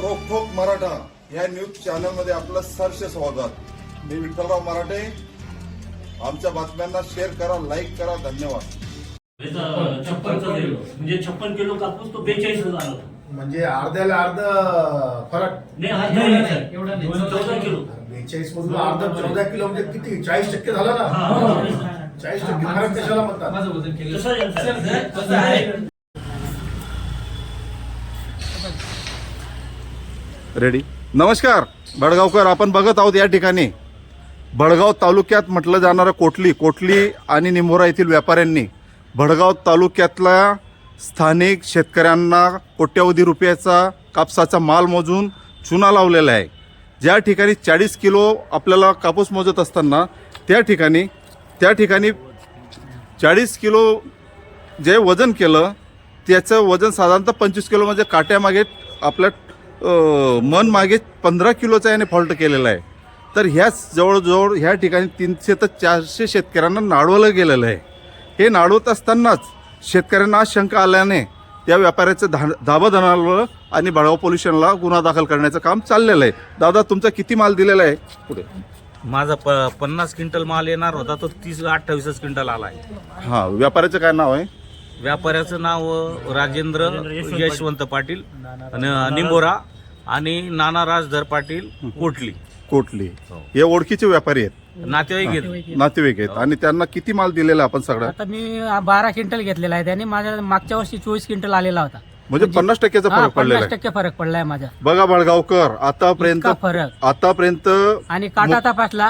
रोखोक मराठा या news channel मध्ये आपलं सहर्ष स्वागत। मी विठ्ठलराव मराठे। आमच्या बातम्यांना शेअर करा, लाईक करा, धन्यवाद। 56 किलो कापूस तो 42,000 होता। म्हणजे अर्ध्याला अर्ध फरक नाही, एवढा नाही 14 किलो 42 मधून अर्ध 14 किलो म्हणजे किती 40% झाला ना। 40% फरक कशाला म्हणतात? माझं वजन केलं रेडी। नमस्कार बडगावकर, आपण बघत आहोत या ठिकाणी बडगाव तालुक्यात म्हटलं जाणारं कोटली आणि निंभोरा येथील व्यापाऱ्यांनी बडगाव तालुक्यातल्या स्थानिक शेतकऱ्यांना कोट्यवधी रुपयाचा कापसाचा माल मोजून चुना लावलेला आहे। ज्या ठिकाणी 40 किलो आपल्याला कापूस मोजत असताना त्या ठिकाणी 40 किलो जे वजन केलं त्याचं वजन साधारणतः 25 किलो, म्हणजे काट्यामागे आपल्या मन मागे 15 किलोचा याने फॉल्ट केलेला आहे। तर ह्याच जवळजवळ ह्या ठिकाणी 300 ते 400 शेतकऱ्यांना नाडवलं गेलेलं आहे। हे नाडवत असतानाच शेतकऱ्यांना आज शंका आल्याने त्या व्यापाऱ्याचं धाबा धरलं आणि बडगाव पोलीस स्टेशनला गुन्हा दाखल करण्याचं काम चाललेलं आहे। दादा, तुमचा किती माल दिलेला आहे? पुढे माझा 50 क्विंटल माल येणार होता, तो 28 क्विंटल आला आहे। हां, व्यापाऱ्याचं काय नाव आहे? व्यापाऱ्याचं नाव राजेंद्र यशवंत पाटील निंबोरा आणि नाना राजधर पाटील कोटली हे ओळखीचे व्यापारी आहेत, नातेवाईक आहेत। आणि त्यांना किती माल दिलेला आपण सगळं? आता मी 12 क्विंटल घेतलेला आहे त्यांनी, माझ्या मागच्या वर्षी 24 क्विंटल आलेला होता। म्हणजे 50% फरक पडलेला आहे। 50% फरक पडलाय माझा। बघा बडगावकर, आतापर्यंत आणि काटा तपासला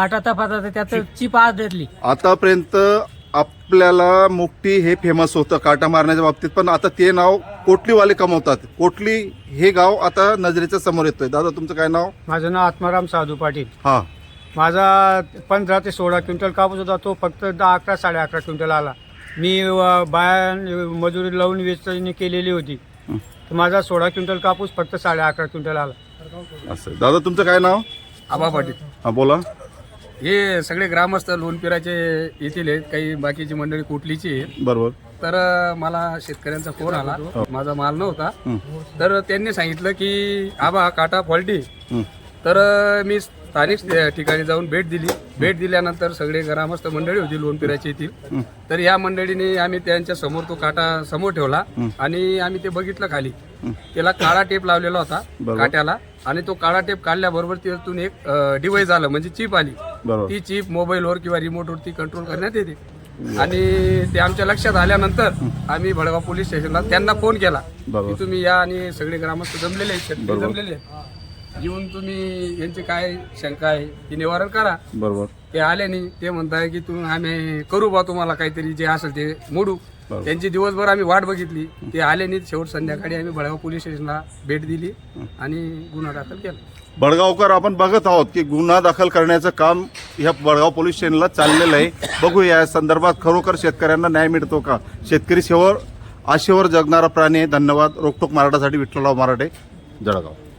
त्यात चिप आढळली। आतापर्यंत आपल्याला मुक्ती हे फेमस होतं काटा मारण्याच्या बाबतीत, पण आता ते नाव कोटलीवाले कमवतात। कोटली हे गाव आता नजरेच्या समोर येतोय। दादा, तुमचं काय नाव? माझं नाव आत्माराम साधू पाटील। हा, माझा 15 ते 16 क्विंटल कापूस होता, तो फक्त 10-11 11.5 क्विंटल आला। मी बाया मजुरी लावून वेचणी केलेली होती, तर माझा 16 क्विंटल कापूस फक्त 11.5 क्विंटल आला। असं। दादा, तुमचं काय नाव? आबा पाटील। हा, बोला। हे सगळे ग्रामस्थ लोणपिराचे येथील आहेत, काही बाकीची मंडळी कोटलीची आहेत। बरोबर। तर मला शेतकऱ्यांचा फोन आला, माझा माल नव्हता, तर त्यांनी सांगितलं की आबा काटा फॉल्टी। तर मी स्थानिक ठिकाणी जाऊन भेट दिल्यानंतर सगळे ग्रामस्थ मंडळी होती लोणपिराची येथील, तर या मंडळीने आम्ही त्यांच्या समोर तो काटा समोर ठेवला आणि आम्ही ते बघितलं खाली, त्याला काळा टेप लावलेला होता काट्याला, आणि तो काळा टेप काढल्याबरोबर त्यातून एक डिव्हाइस आलं, म्हणजे चिप आली। ती चिप मोबाईलवर किंवा रिमोटवरती कंट्रोल करण्यात येते। आणि ते आमच्या लक्षात आल्यानंतर आम्ही बडगाव पोलीस स्टेशनला त्यांना फोन केला की तुम्ही या आणि सगळे ग्रामस्थ जमलेले आहेत, शेतकरी जमलेले आहेत, येऊन तुम्ही यांची काय शंका आहे ती निवारण करा। बरोबर। ते आले नाही, ते म्हणताय की तुम्ही आम्ही करू बा, तुम्हाला काहीतरी जे असेल ते मोडू। त्यांची दिवसभर आम्ही वाट बघितली, ते आले नाही। शेवट संध्याकाळी आम्ही बडगाव पोलीस स्टेशनला भेट दिली आणि गुन्हा दाखल केला। बडगावकर, आपण बघत आहोत की गुन्हा दाखल करण्याचं काम ह्या बडगाव पोलीस स्टेशनला चाललेलं आहे। बघूया या संदर्भात खरोखर शेतकऱ्यांना न्याय मिळतो का। शेतकरी आशेवर जगणारा प्राणी आहे। धन्यवाद। रोखोक मराठासाठी विठ्ठलराव मराठे, जळगाव।